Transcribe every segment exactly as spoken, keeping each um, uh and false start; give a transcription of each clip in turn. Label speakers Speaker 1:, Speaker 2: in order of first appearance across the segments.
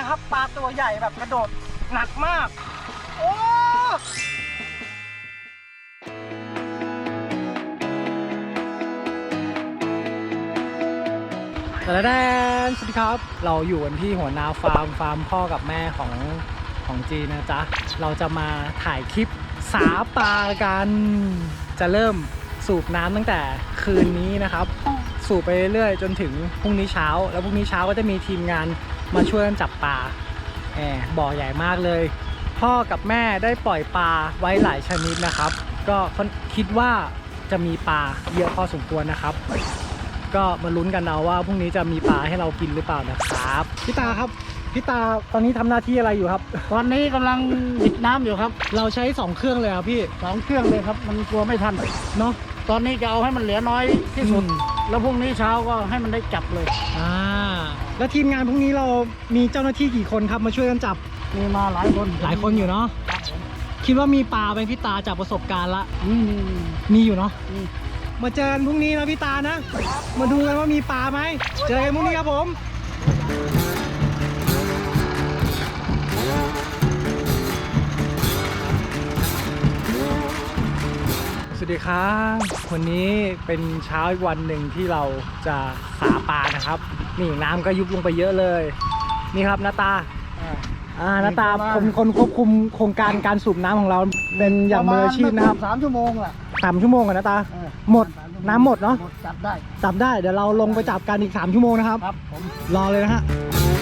Speaker 1: นะครับปลาตัวใหญ่แบบกระโดดหนักมากโอ้แต่ละแดนสวัสดีครับเราอยู่กันที่หัวนาฟาร์มฟาร์มพ่อกับแม่ของของจีนะจ๊ะเราจะมาถ่ายคลิปสาปลากันจะเริ่มสูบน้ำตั้งแต่คืนนี้นะครับสูบไปเรื่อยๆจนถึงพรุ่งนี้เช้าแล้วพรุ่งนี้เช้าก็จะมีทีมงานมาช่วยกันจับปลาแอบบ่อใหญ่มากเลยพ่อกับแม่ได้ปล่อยปลาไว้หลายชนิดนะครับก็คิดว่าจะมีปลาเยอะพอสมควรนะครับก็มาลุ้นกันเอาว่าพรุ่งนี้จะมีปลาให้เรากินหรือเปล่านะครับพี่ตาครับพี่ตาตอนนี้ทำหน้าที่อะไรอยู่ครับ
Speaker 2: ตอนนี้กำลังหยิบน้ำอยู่ครับ
Speaker 1: เราใช้สองเครื่องเลยครับพี่
Speaker 2: สองเครื่องเลยครับมันกลัวไม่ทัน
Speaker 1: เนาะ
Speaker 2: ตอนนี้จะเอาให้มันเหลือน้อยที่สุดแล้วพรุ่งนี้เช้าก็ให้มันได้จับเลย
Speaker 1: อ่าแล้วทีมงานพรุ่งนี้เรามีเจ้าหน้าที่กี่คนครับมาช่วยกันจับ
Speaker 2: มีมาหลายคน
Speaker 1: หลายคนอยู่เนาะคิดว่ามีปลาไหมพี่ตาจากประสบการณ์ละ
Speaker 2: มี
Speaker 1: มีอยู่เนาะมาเจอกันพรุ่งนี้นะพี่ตานะมาดูกันว่ามีปลาไหมเจอกันพรุ่งนี้ครับผมสวัสดีครับวันนี้เป็นเช้าอีกวันหนึ่งที่เราจะสาปลานะครับนี่น้ำก็ยุบลงไปเยอะเลยนี่ครับนาตาอ่านาตาเป็นคนควบคุมโครงการการสูบน้ำของเราเป็นอย่างมืออาชีพนะครับ
Speaker 2: สามชั่วโมงแหละ
Speaker 1: สามชั่วโมงกันนาตาหมดน้ำหมดเนาะ
Speaker 2: จับได้
Speaker 1: จับได้เดี๋ยวเราลงไปจับกันอีกสามชั่วโมงนะครับ
Speaker 2: ครับผม
Speaker 1: รอเลยนะฮะ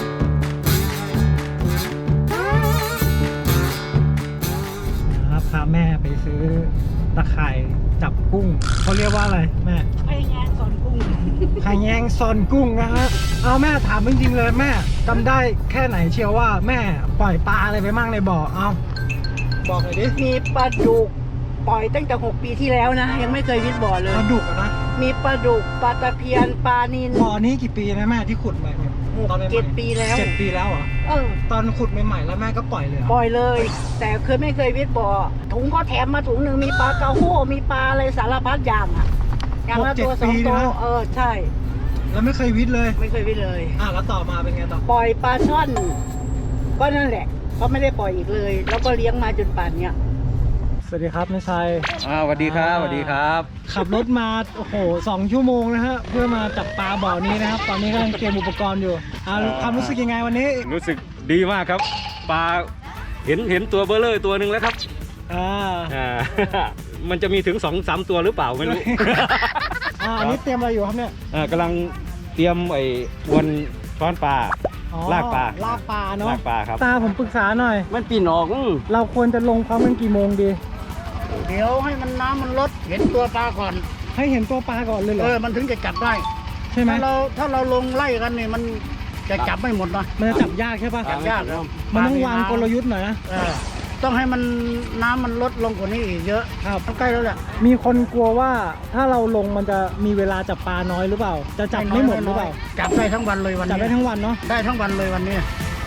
Speaker 1: ครับพาแม่ไปซื้อตะข่ายจับกุ้งเขาเรียกว่าอะไรแม่
Speaker 2: ไข่แยงซอนกุ้ง
Speaker 1: ไข่แยงซอนกุ้งนะฮะเอาแม่ถามจริงๆเลยแม่จำได้แค่ไหนเชียวว่าแม่ปล่อยปลาอะไรไปมั่งในบ่อเอาบอกหน่อยดิ
Speaker 3: มีปลาดุกปล่อยตั้งแต่หกปีที่แล้วนะยังไม่เคยวิทย์บ่อเลย
Speaker 1: ปลาดุกนะ
Speaker 3: มีปลาดุกปลาตะเพียนปลานิล
Speaker 1: บ่อนี้กี่ปีนะแม่ที่ขุดมาเนี่ย
Speaker 3: เจ็ดปีแล้ว
Speaker 1: เจ็ดปีแล้วเหรอ
Speaker 3: เออ
Speaker 1: ตอนขุดใหม่ๆแล้วแม่ก็ปล่อยเลย
Speaker 3: ปล่อยเลยแต่เคยไม่เคยวิทย์บ่อถุงก็แถมมาถุงหนึ่งมีปลากระโห้มีปลาอะไรสารพัดอย่างอ่ะอย่างละตัวสองตัวเออใช่
Speaker 1: แล้วไม่เคยวิทย์เลย
Speaker 3: ไม่เคยวิทย์เลย
Speaker 1: อ่ะแล้วต่อมาเป็นไงต่อ
Speaker 3: ปล่อยปลาช่อนก็นั่นแหละก็ไม่ได้ปล่อยอีกเลยแล้วก็เลี้ยงมาจนป่านเนี้ย
Speaker 1: สวัสดีครับนายชัย
Speaker 4: อ่าสวัสดีครับสวัสดีครับ
Speaker 1: ขับรถมาโอ้โหสองชั่วโมงนะฮะเพื่อมาจับปลาบ่อนี้นะครับตอนนี้กำลังเตรียมอุปกรณ์อยู่อ่าความรู้สึกยังไงวันนี้
Speaker 4: รู้สึกดีมากครับปลาเห็นเห็นตัวเบลเลอร์ตัวหนึ่งแล้วครับ
Speaker 1: อ่า
Speaker 4: อ่ามันจะมีถึงสองสามตัวหรือเปล่าไม่รู้
Speaker 1: อ่าอันนี้เตรียมอะไรอยู่ครับเนี่ย
Speaker 4: อ่ากำลังเตรียมไอ้อวนช้อนปลาลากปลา
Speaker 1: ลากปลาเนาะ
Speaker 4: ลากปลาครับ
Speaker 1: ตาผมปรึกษาหน่อย
Speaker 4: มันปีนออก
Speaker 1: เราควรจะลงพร้อมกันกี่โมงดี
Speaker 2: เดี๋ยวให้มันน้ำมันลดเห็นตัวปลาก่อน
Speaker 1: ให้เห็นตัวปลาก่อนเลยเหรอ
Speaker 2: เออมันถึงจะจับได้
Speaker 1: ใช่ไหม
Speaker 2: ถ้าเราถ้าเราลงไล่กันนี่มันจะจับไม่หมดนะ
Speaker 1: มันจะจับยากใช่ปะ
Speaker 2: จับยาก
Speaker 1: มันต้องวางกลยุทธ์หน่อยนะ
Speaker 2: ต้องให้มันน้ำมันลดลงกว่านี้อีกเยอะ
Speaker 1: ครับ
Speaker 2: ใกล้แล้วแหละ
Speaker 1: มีคนกลัวว่าถ้าเราลงมันจะมีเวลาจับปลาน้อยหรือเปล่าจะจับไม่หมดหรือเปล่า
Speaker 2: จับได้ทั้งวันเลยวันนี้
Speaker 1: จับได้ทั้งวันเนาะ
Speaker 2: ได้ทั้งวันเลยวันนี้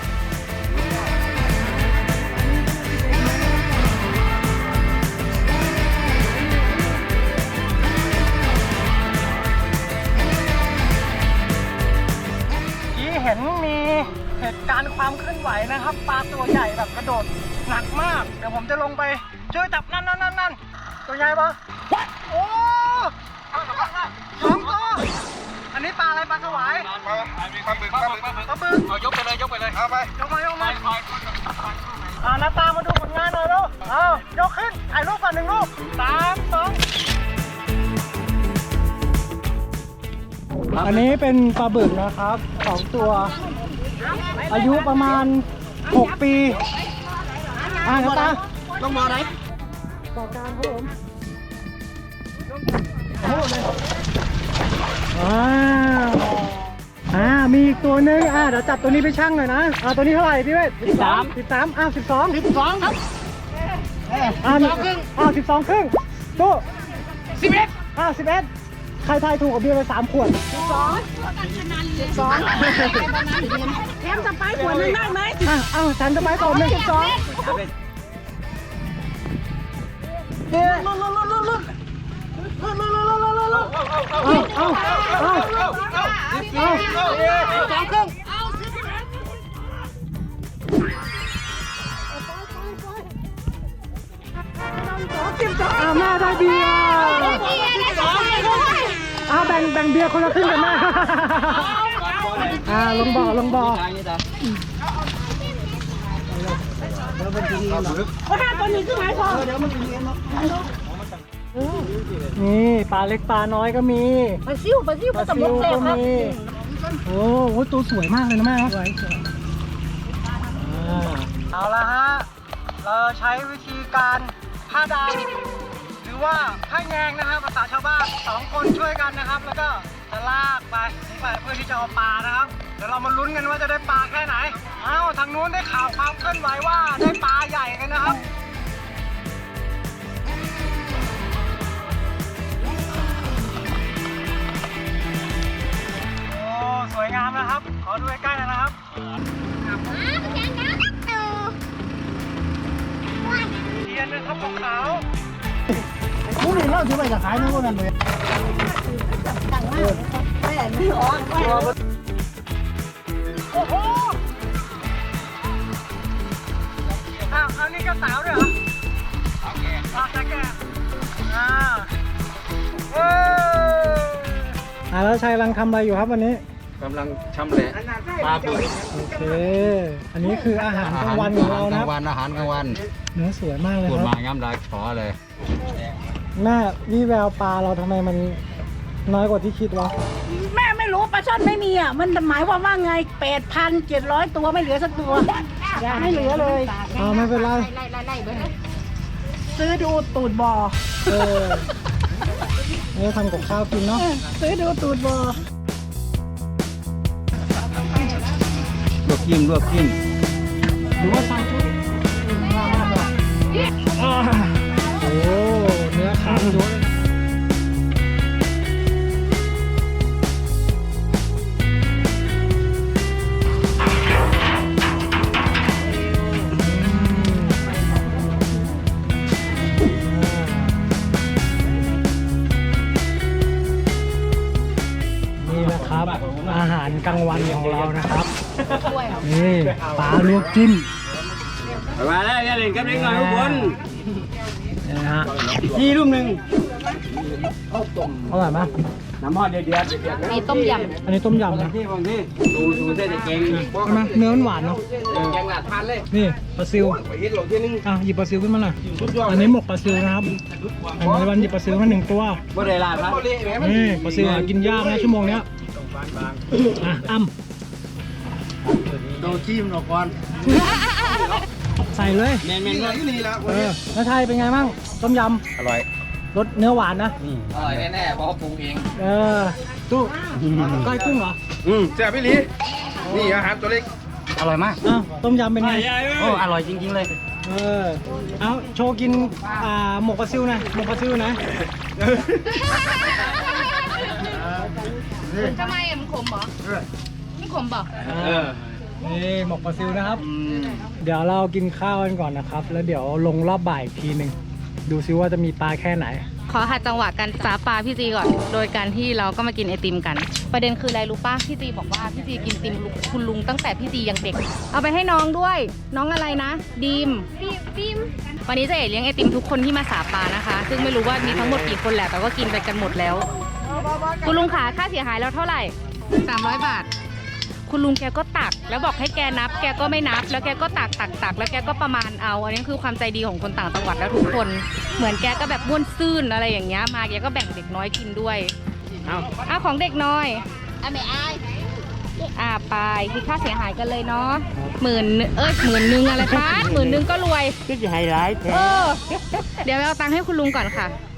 Speaker 1: เห็นมีเหตุการณ์ความเคลื่อนไหวนะครับปลาตัวใหญ่แบบกระโดดหนักมากเดี๋ยวผมจะลงไปช่วยจับนั่นนั่นนั่นนั่นตัวใหญ่ปะโอ้สองตัวอันนี้ปลาอะไรปลาสวาย
Speaker 4: ปลาปลาบึกปลาบึกปลาบึก
Speaker 1: ปลาบึก
Speaker 4: เอายกไปเลยยกไปเลยเอาไป
Speaker 1: ยกมายกมาอ่าหน้าตามาดูผลงานหน่อยลูกเอายกขึ้นถ่ายรูปก่อนหนึ่งรูปสามสองอันนี้เป็นปลาบึกนะครับสองตัวอายุประมาณหกปีอ่านะตา
Speaker 2: ลงบ่อไหน
Speaker 1: บ่อกลางครับผมโอ้เลยอ่าอ่ามีอีกตัวนึงอ่าเดี๋ยวจับตัวนี้ไปชั่งหน่อยนะอ่าตัวนี้เท่าไหร่พี่เวท
Speaker 2: สิบสาม
Speaker 1: สิบสามอ้าวสิบสอง
Speaker 2: สิบสองครับ
Speaker 1: อ่าสิบสองครึ่งอ้าวสิบสองครึ่งตู้
Speaker 2: สิบเอ็ด
Speaker 1: อ้าวสิบเอ็ดใครทายถูกกับเบียร์ไปสามขวด
Speaker 3: สิบสองสิบสองแถมจะไปขวดนึงได้ไหม
Speaker 1: อ่ะเอ้าฉันจะไปขวดนึงสิบสองเดี๋ยวลุ้นลุ้นลุ้นลุ้นลุ้นลุ้นลุ้นลุ้นลุ้นลุ้นลุ้นเอาเอาเอาเอาเอาสองครึ่งอ่าแม่ได้เบียร์อ้าวแบ่งแบ่งเบียร์คนละครึ่งกันแม่อ่าลงบ่อลงบ่อ
Speaker 3: ก็ห้าตัวนี้คือหมายความ
Speaker 1: นี่ปลาเล็กปลาน้อยก็มี
Speaker 3: ปลาซิวปลาซิว
Speaker 1: ป
Speaker 3: ก็
Speaker 1: ลา
Speaker 3: สม
Speaker 1: ซิ
Speaker 3: บู
Speaker 1: ว
Speaker 3: รณ์แซ่
Speaker 1: ก็
Speaker 3: บครับ
Speaker 1: มีโอ้โหตัวสวยมากเลยนะแม่สวยเอาละฮะเราใช้วิธีการผ้าดำหรือว่าผ้าแยงนะครับภาษาชาวบ้านสองคนช่วยกันนะครับ แล้วก็จะลากไปไปเพื่อที่จะเอาปลานะครับเดี๋ยวเรามาลุ้นกันว่าจะได้ปลาแค่ไหนเอ้าทางนู้นได้ข่าวความเคลื่อนไหวว่าได้ปลาใหญ่กันนะครับโอ้สวยงามนะครับขอดูใกล้ๆนะครับเทียนนะครับขาว
Speaker 2: พวกนี้เราถือไปจะขายนะพวกนั้นเลย
Speaker 1: โอ้โหอ้าวอันนี้ก็สาวด้วยเหรอสาวแก่สาวแก่อ่าเอ้อ่าแล้วชัยกำลังทำอะไรอยู่ครับวันนี้
Speaker 4: กำลังชำแหละปลาบึก
Speaker 1: โอเค อันนี้คืออาหารกลางวันของเรานะ
Speaker 4: กลางวันอาหารกลางวัน
Speaker 1: เนื้อสวยมากเลย
Speaker 4: ปวด
Speaker 1: ค
Speaker 4: มา
Speaker 1: รับ
Speaker 4: ย้ำลายขอเลย
Speaker 1: แม่วิแววปลาเราทำไมมันน้อยกว่าที่คิดวะ
Speaker 3: แม่ไม่รู้ปลาช่อนไม่มีอ่ะมันหมายความว่าไงแปดพันเจ็ดร้อยตัวไม่เหลือสักตัวไม่เหลือเลย
Speaker 1: อ๋อไม่เป็นไร
Speaker 3: ซื้อดูตูดบ่อ
Speaker 1: เออนี่ทำกับข้าวกินเนาะ
Speaker 3: ซื้อดูตูดบ่อ
Speaker 4: ลวกจิ้มลวกจิ้ม
Speaker 1: หรือว่าซาชุอ่าโอ้เนื้อขาวด้วย นี่นะครับอาหารกลางวันของเรานะครับนี่ปลาลวกจิ้ม
Speaker 4: มาแล้วอย่าเล่นกับเด็กหน่อยทุกคน
Speaker 1: นี่นะฮะ
Speaker 4: ยี่รูปหนึ่ง
Speaker 1: อร่อยไหม
Speaker 4: น้ำหอดเดือดเดือดเดือด
Speaker 5: มีต้มย
Speaker 1: อันนี้ต้มยำนะ
Speaker 4: ที่บางที่ดูดูเส้นเก่ง
Speaker 1: ใช่ไหมเนื้อมันหวานเนาะ
Speaker 4: แกงหลาดทานเลย
Speaker 1: นี่ปลาซิว
Speaker 4: ไปเฮ็ดหลงที่นึง
Speaker 1: อ่ะหยิบปลาซิวขึ้นมาหน่อยอันนี้หมกปลาซิวนะครับอันนี้วันหยิบปลาซิวมาหนึ่งตัว
Speaker 4: บ่ได้ลาดครับ
Speaker 1: นี่ปลาซิวหากินยากนะชั่วโมงเนี้ยอ่ะอ้ำ
Speaker 2: โดจิ้มหนอกก่อน
Speaker 1: ใส่เลย
Speaker 4: แมนแมนที่นี่แล้ว
Speaker 1: เออน้าชัยเป็นไงบ้างต้มย
Speaker 4: อร่อย
Speaker 1: ำรสเนื้อหวานนะ
Speaker 4: อร่อยแน่ๆเพราะเขาปรุงเอง
Speaker 1: เออตู้ก้อยกุ้งเหรอ
Speaker 4: อืมแซ่บพี่ลีนี่อาหารตัวเล็ก
Speaker 2: อร่อยมาก
Speaker 1: อ้าวต้มยำเป็นไง
Speaker 2: โอ้อร่อยจริงๆเลย
Speaker 1: เออเอาโชว์กินอ่าหมกปลาซิวหนะหมกปลาซิวนะ
Speaker 5: ำทำไมอะมันขมเหรอมันขมเปล่า
Speaker 1: เออนี่หมกปลาซิวนะครับ เดี๋ยวเรากินข้าวกันก่อนนะครับ แล้วเดี๋ยวลงรอบบ่ายอีกทีหนึ่งดูซิว่าจะมีปลาแค่ไหน
Speaker 5: ขอหาจังหวะการสาปลาพี่จีก่อน โดยการที่เราก็มากินไอติมกัน ประเด็นคืออะไรรู้ป่ะพี่จีบอกว่าพี่จีกินติมคุณลุงตั้งแต่พี่จียังเด็ก เอาไปให้น้องด้วย น้องอะไรนะดีมดีมวันนี้เจะเอ๋เลี้ยงไอติมทุกคนที่มาสาปลานะคะ ซึ่งไม่รู้ว่ามีทั้งหมดกี่คนแหละแต่ก็กินไปกันหมดแล้ว คุณลุงขาค่าเสียหายแล้วเท่าไหร่สามร้อยบาท คุณลุงแกก็ตัก แล้วบอกให้แกนับ แกก็ไม่นับ แล้วแกก็ตักตักตักแล้วแกก็ประมาณเอา อันนี้คือความใจดีของคนต่างจังหวัดแล้วทุกคน เหมือนแกก็แบบม่วนซื่นอะไรอย่างเงี้ย มาแกก็แบ่งเด็กน้อยกินด้วย เอาเอาของเด็กน้อยอ่ะไม่อายอ่าไปคิดค่าเสียหายกันเลยเนาะหมื่นเอ้ยหมื่นนึงอะไรคะหมื่นนึงก็รวย
Speaker 2: ก็จะไฮไลท์
Speaker 5: เออ เดี๋ยวไปเอาตังค์ให้คุณลุงก่อนค่ะ